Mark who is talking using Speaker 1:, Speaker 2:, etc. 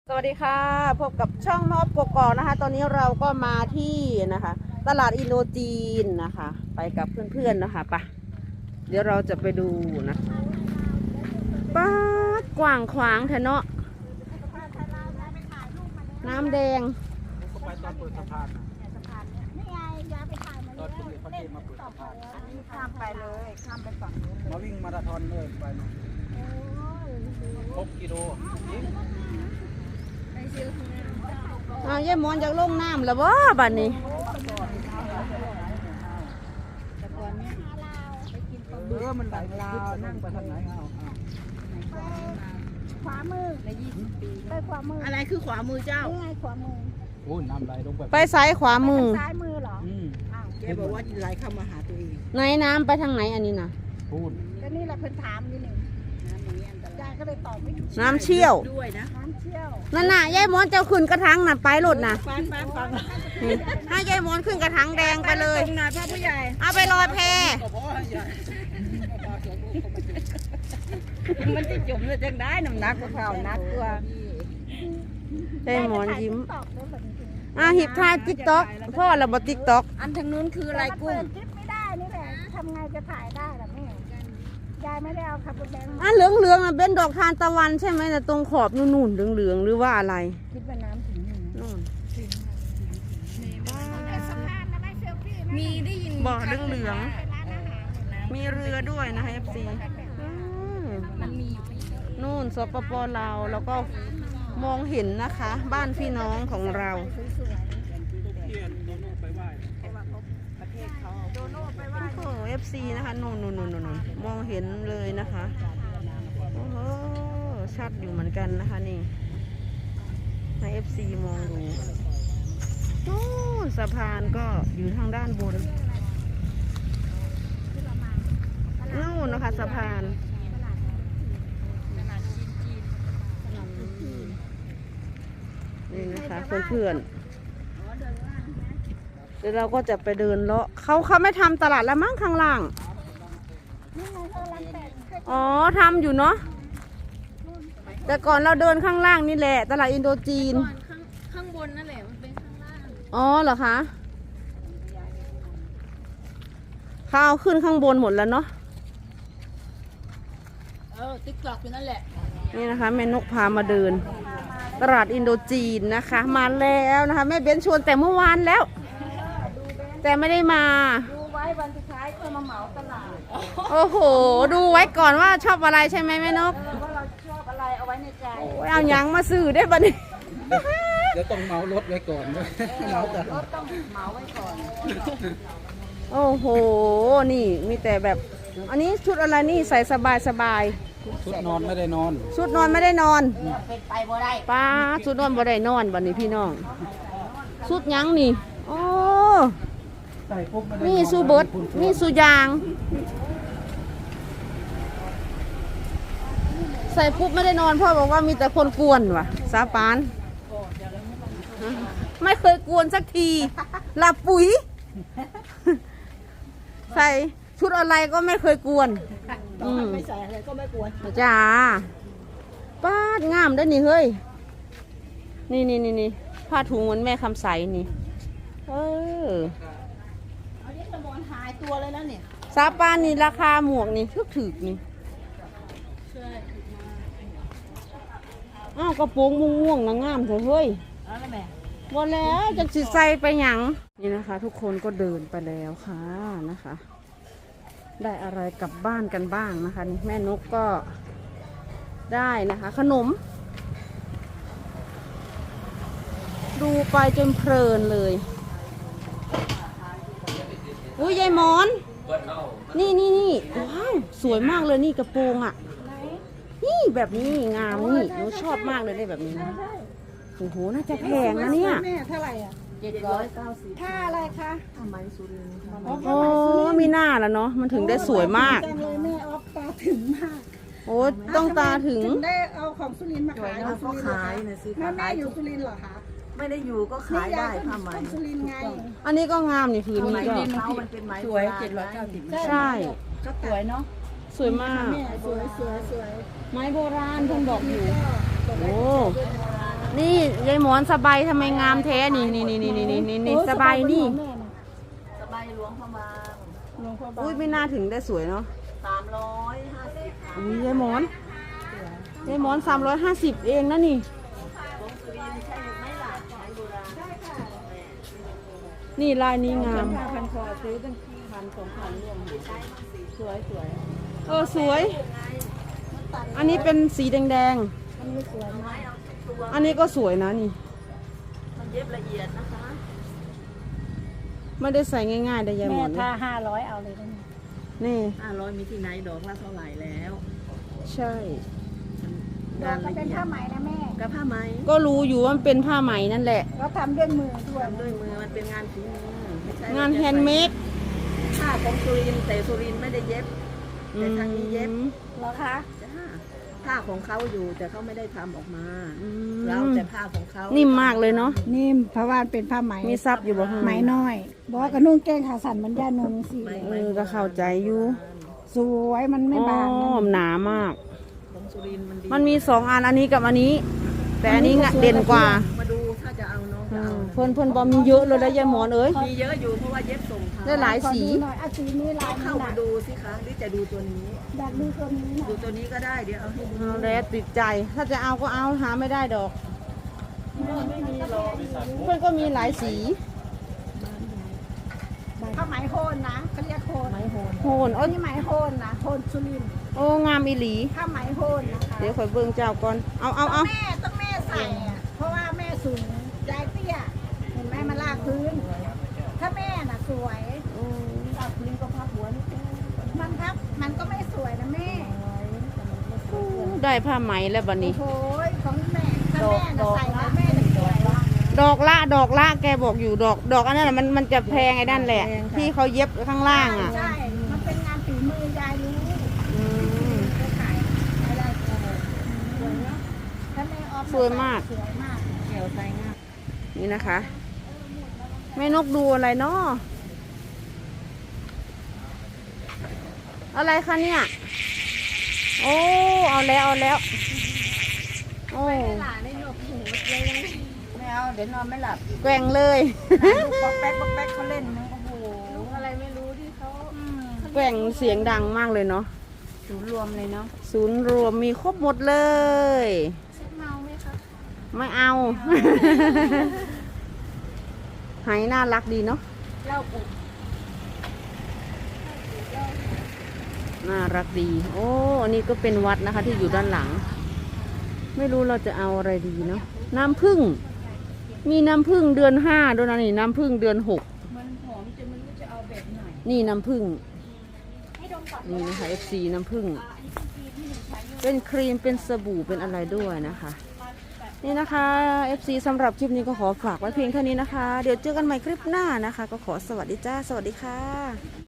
Speaker 1: สวัสดีค่ะพบกับช่องนอบกกอกนะคะตอนนี้เราก็มาที่นะคะตลาดอินโดจีนนะคะไปกับเพื่อนๆนะคะไปเดี๋ยวเราจะไปดูนะป้ากว้างขวางแทเนาะน้ำแดง
Speaker 2: ก็ไปตอนเปิดสะพาน
Speaker 3: นี่ไงยาไปถ่ายมา
Speaker 2: ตอนคุณเขาเทมาเปิดสะพาน
Speaker 3: อันนี้ข้ามไปเลยข้ามไปฝั่งนู้นเลย
Speaker 2: มาวิ่งมาราธอนเลยไปมา6 กิโล
Speaker 1: อ้าวยายมอนจากลงน้ำแล้วบ่บัดนี้
Speaker 2: มันไหลลาวนั่งไปทางไหนเอา
Speaker 3: ขวามือใน20 ปีไปขวามือ
Speaker 1: อะไรคือขวามือเจ้า
Speaker 3: นี่ไงขวามือ
Speaker 2: โอ้น้ำไหลลงไป
Speaker 1: ไปซ้ายขวามือ
Speaker 3: ซ้ายมือเหรออ้าว
Speaker 2: แกบอกว่าไหลเข้ามาหาตัวเอง
Speaker 1: ไหนน้ำไปทางไหนอันนี้นะ
Speaker 2: พูด
Speaker 3: ก็นี่แหละเพิ่นถามอยู่นี่ยายก็เลยตอบไม่ถูก
Speaker 1: น้ำเชี่ยว
Speaker 3: ด้วยนะน้ำเชี่ยว
Speaker 1: นั่นน่ะยายมอนเจ้าขึ้นกระถางน่ะไปรถน่ะ
Speaker 3: ฟัง
Speaker 1: ให้ยายมอนขึ้นกระถางแดงไปเลย
Speaker 3: ตรงไหนพ่อผู้ใหญ่
Speaker 1: เอาไปลอยแพ
Speaker 3: มันจะจุ่มเลยจังได้น้ำหนักกว่าเขานักกว่า
Speaker 1: ได้หมอนยิ้ม
Speaker 3: ตอบได้แบบนี้
Speaker 1: หิบท่าติ๊กต็อกพ่อเราบอติ๊กต็อก
Speaker 3: อันทางนู้นคืออะไรกุ้งคลิปไม่ได้นี่แหละทำไงจะถ่ายได้ล่ะแม่ยายไม่ได้เอาขับรถแบงค์มา
Speaker 1: เหลืองเหลืองเป็นดอกทานตะวันใช่ไหมแต่ตรงขอบนู่นเหลืองเหลืองหรือว่าอะไร
Speaker 3: คิดว่าน้ำถึงนี่
Speaker 1: นู่น
Speaker 3: มีได้ยิน
Speaker 1: บ่อเหลืองเหลืองมีเรือด้วยนะคะFC
Speaker 3: มันมีอยู่
Speaker 1: นู่นสปปลาวแล้วก็มองเห็นนะคะ บ้านพี่น้องของเรา
Speaker 3: สวย
Speaker 2: เพียนโดนไปไหว้
Speaker 3: ๆแต่ว่าเขาประเทศเขาโดโน่ไปไหว้
Speaker 1: โอ้ FC นะคะนู่นมองเห็นเลยนะคะโอ้โหชัดอยู่เหมือนกันนะคะนี่ให้ FC มองดูโอ้สะพานก็อยู่ทางด้านบนนู่นนะคะสะพานนี่นะคะเพื่อนๆเดี๋ยวเราก็จะไปเดินเลาะเขาไม่ทำตลาดแล้วมั้งข้างล่าง
Speaker 3: นี่ไงเขาลังแต่ง
Speaker 1: อ๋อทำอยู่เนาะแต่ก่อนเราเดินข้างล่างนี่แหละตลาดอินโดจีน
Speaker 3: ข้างบนนั่นแหละมันเป็นข้างล่าง
Speaker 1: อ๋อเหรอคะเขาเอาขึ้นข้างบนหมดแล้วเนาะ
Speaker 3: ติ๊กตอกอยู่นั่นแหละ
Speaker 1: นี่นะคะแม่นกพามาเดิน ตลาดอินโดจีนนะคะ มาแล้วนะคะแม่เบ้นชวนแต่เมื่อวานแล้ว แต่ไม่ได้มา
Speaker 3: ดูไว้วันสุดท้ายค่อยมาเหมาตลาด
Speaker 1: โอ้โห ดูไว้ก่อนว่าชอบอะไรใช่ไหมแม่นก
Speaker 3: ว่าเราชอบอะไรเอาไว้ในใจ
Speaker 1: โอ้ยเอาหยังมาซื้อได้ปะนี่
Speaker 2: เดี๋ยวต้องเมารถไว้ก่อนด้วยเมาแต่
Speaker 3: รถต้องเหมาไว้ก่อน
Speaker 1: โอ้โห นี่มีแต่แบบ อันนี้ชุดอะไรนี่ใส่สบายสบาย
Speaker 2: ชุดนอนไม่ได้นอน
Speaker 1: ชุดนอนไม่ได้นอน
Speaker 3: เป็นไปบ่ได้
Speaker 1: ป้าชุดนอนบ่ได้นอนบัดนี้พี่น้องชุดหยังนี่โอ้
Speaker 2: ใส่ปุ๊บไม่ได้
Speaker 1: มีสูเบิดมีสูยาง ใส่ปุ๊บไม่ได้นอนพ่อบอกว่ามีแต่คนกวนว่ะสาปานไม่เคยกวนสักทีหลับปุ๋ย ใส่ชุดอะไรก็ไม่เคยกวน
Speaker 3: ไม่ใส่อะไรก็ไม่กวน
Speaker 1: จ้าป้างามได้อนี่เฮ้ยนี่ผ้าถุงเหมือนแม่คำใสนี่
Speaker 3: อันนี้สมอนหายตัวเลยแล้วเนี่ย
Speaker 1: ซาปานนี่ราคาหมวกนี่ถึกนี่อ้าวกระโปรงม่วงๆนะงามเถอะเฮ้ย
Speaker 3: อะไรแม่
Speaker 1: หมดแล้วจะสิใส่ไปหยังนี่นะคะ ทุกคนก็เดินไปแล้วค่ะนะคะ ได้อะไรกลับบ้านกันบ้างนะคะนี่แม่นกก็ได้นะคะ ขนม ดูไปจนเพลินเลยอุ้ยยายหมอนนี่ว้าวสวยมากเลยนี่กระโปรงอ่ะนี่แบบนี้งามนี่หนูชอบมากเลยได้แบบนี้นะโอ้โหน่าจะแพงนะเนี่ย
Speaker 3: แม่เท่าไหร่อ่ะ790ค่าอะไรคะผ้าไหมสุรินทร์
Speaker 1: โอ้มีหน้าแล้วเนาะมันถึงได้สวยมาก
Speaker 3: จังเลยแม่ออฟตาถึงมาก
Speaker 1: โอ้ต้องตาถึง
Speaker 3: ได้เอาของสุรินทร์มาขาย
Speaker 4: เขาขายนะสิ
Speaker 3: แม่อยู่สุรินทร์เหรอคะ
Speaker 4: ไม่ได้อยู่ก็ขายได้ผ้าไหม
Speaker 3: คนสุรินทร์ไง
Speaker 1: อันนี้ก็งามนี่พื้นนี้ก็
Speaker 4: เขามันเป็นไหม
Speaker 3: สวย
Speaker 1: ใช่
Speaker 3: ก็สวยเนาะ
Speaker 1: สวยมาก
Speaker 3: แม่สวย
Speaker 1: ไม้โบราณเพิ่งบอกอยู่โอ้นี่ยายหมอนสบายทำไมงามแท้นี่สบายนี่
Speaker 3: แม่น่ะ
Speaker 4: สบายหลวงพระบาง
Speaker 3: หลวงพ่อบาง
Speaker 1: อุ้ยไม่น่าถึงได้สวยเนาะ
Speaker 4: 350
Speaker 1: อุ้ยยายหมอน350เองนะนี่
Speaker 4: ของสุรินทร์ใช่หรือไม่ล่ะไม้โบราณ
Speaker 1: นี่ลายนี้งาม
Speaker 3: ผ้าพันคอซื้อตั้ง1,000-2,000ร่วมสวย
Speaker 1: สวย อันนี้เป็นสีแดง
Speaker 3: อันนี้สวยมาก
Speaker 1: ๆ อันนี้ก็สวยนะนี่
Speaker 4: มันเย็บละเอียดนะคะ
Speaker 1: ไม่ได้ใส่ง่ายๆได้ยายหม
Speaker 3: แม่
Speaker 1: อน
Speaker 3: ถ้า500เอาเลยนะ
Speaker 1: นี่
Speaker 4: 500มีที่ไหนดอกละเท่าไหร่แล้ว
Speaker 1: ใช่
Speaker 3: ดอกก็เป็นผ้าไหมนะแม่
Speaker 4: กับผ้าไหม
Speaker 1: ก็รู้อยู่ว่ามันเป็นผ้าไหมนั่นแหละ
Speaker 3: เราทำด้วยมือด้วย
Speaker 4: ทำด้วยมือมันเป็นงานฝีมือไม่ใช่
Speaker 1: งานแฮนด์เมด
Speaker 4: ผ้าของสุรินทร์แต่สุรินทร์ไม่ได้เย็บ แต่ทางนี้เย็บ
Speaker 3: เหรอคะ
Speaker 4: จ้าผ้าของเขาอยู่แต่เขาไม่ได้ทำออกมา
Speaker 1: อืม
Speaker 4: เราแต่ผ้าของเขา
Speaker 1: นิ่มมากเลยเนาะ
Speaker 3: นิ่มเพราะว่าเป็นผ้าไหม
Speaker 1: มีซับอยู่บ่ข้าง
Speaker 3: ไหม
Speaker 1: ใน
Speaker 3: น้อยบอกว่ากระนุ่งแก้งขาสั่นมันย่านงสิ
Speaker 1: ก็เข้าใจอยู่
Speaker 3: สวยมันไม่บาง
Speaker 1: อ๋อหนามาก
Speaker 4: ของสุรินทร์มันดี
Speaker 1: มันมี2 อันอันนี้กับอันนี้ แต่อันนี้เด่นกว่า
Speaker 4: มาดูถ้าจะเอาน้องจะเอานะ
Speaker 1: เพิ่นบอมีเยอะเลยนะยายหมอนเอ้ย
Speaker 4: มีเยอะอยู่เพราะว่าเย็บส่งเขา
Speaker 1: ได้หลาย
Speaker 3: ขอ
Speaker 1: สี
Speaker 3: ดูหน่อยสีนี้ลาย
Speaker 4: เข้า
Speaker 3: นี้
Speaker 4: มา
Speaker 3: นะ
Speaker 4: ดูสิคะหรือจะดูตัวนี้
Speaker 3: อยากดูตัวนี้หน่
Speaker 4: ดู
Speaker 3: อย
Speaker 4: ตัวนี้ก็ได้เดี๋ยวเอาให้ดู
Speaker 1: เอาแล้วติดใจ ถ้าจะเอาก็เอาหาไม่ได้ดอก
Speaker 4: ไม่มีหรอก
Speaker 1: เพื่อนก็มีหลายสี
Speaker 3: ผ้าไหมโคนนะเขาเรียกโคน
Speaker 4: ไม้โหน
Speaker 1: โหน
Speaker 3: อั
Speaker 1: โอ้
Speaker 3: นนี้ไหมโคนนะโคนสุรินทร์
Speaker 1: โอ้งามอีหลี
Speaker 3: ผ้าไหมโคนนะคะ
Speaker 1: เดี๋ยวข่อยเบิ่งเจ้าก่อน เอา
Speaker 3: ต้องแม่ใส่อะเพราะว่าแม่สูงยายเตี้ยเห็นไหมมันลากพื้น ถ้าแม่น่ะสวย
Speaker 4: ตัดลิงก็พับหัวนิดนึง
Speaker 3: มันก็ไม่สวยนะแม่
Speaker 1: ได้ผ้าไหมแล้วบัดนี้
Speaker 3: โอ้ยของแม่ถ้าแม่น่ะใส่แล้วแม่จะสวย
Speaker 1: ดอกละแกบอกอยู่ดอกอันนั้นน่ะมันจะแพงไอ้นั่นแหละ ที่เขาเย็บข้างล่างอ่ะ
Speaker 3: ใช่ มันเป็นงานฝีมือยายรู้
Speaker 1: อืม
Speaker 3: ก็ขายอะไรก็สวยเนาะถ้าแม่ออฟ
Speaker 1: สวยมาก
Speaker 3: สวยมาก
Speaker 4: เกี่ยวใส่ง่าย
Speaker 1: นี่นะคะแม่นกดูอะไรเนาะอะไรคะเนี่ยโอ้เอาแล้วโอ้
Speaker 3: หลานในหนวกหูเลย
Speaker 4: ไม่เอาเดี๋ยวนอนไม่หลับ
Speaker 1: แกว่งเลย
Speaker 4: ลูกป๊อกแป๊กเขาเล่นนะโอ้โห
Speaker 3: อะไรไม่รู้ที่เขา
Speaker 1: แกว่งเสียงดังมากเลยเนาะ
Speaker 4: ศูนย์รวมเลยเนาะ
Speaker 1: ศูนย์รวมมีครบหมดเลย
Speaker 3: เมาไหมคะ
Speaker 1: ไม่เอา หายน่ารักดีเนาะ
Speaker 3: เล่าปุ๊บ
Speaker 1: น่ารักดี โอ้อันนี้ก็เป็นวัดนะคะที่อยู่ด้านหลัง ไม่รู้เราจะเอาอะไรดีเนาะน้ำผึ้งมีน้ำผึ้งเดือน5ด้วยนะนี่น้ำผึ้งเดือน6
Speaker 3: มันหอมจนมันรู้จะเอาแบบไหน
Speaker 1: นี่น้ำผึ้ง
Speaker 3: ให้ดมก่อน
Speaker 1: นี่นะคะ FC น้ำผึ้งเป็นครีมเป็นสบู่เป็นอะไรด้วยนะคะ นี่นะคะ FC สำหรับคลิปนี้ก็ขอฝากไว้เพียงเท่านี้นะคะ เดี๋ยวเจอกันใหม่คลิปหน้านะคะ ก็ขอสวัสดีจ้าสวัสดีค่ะ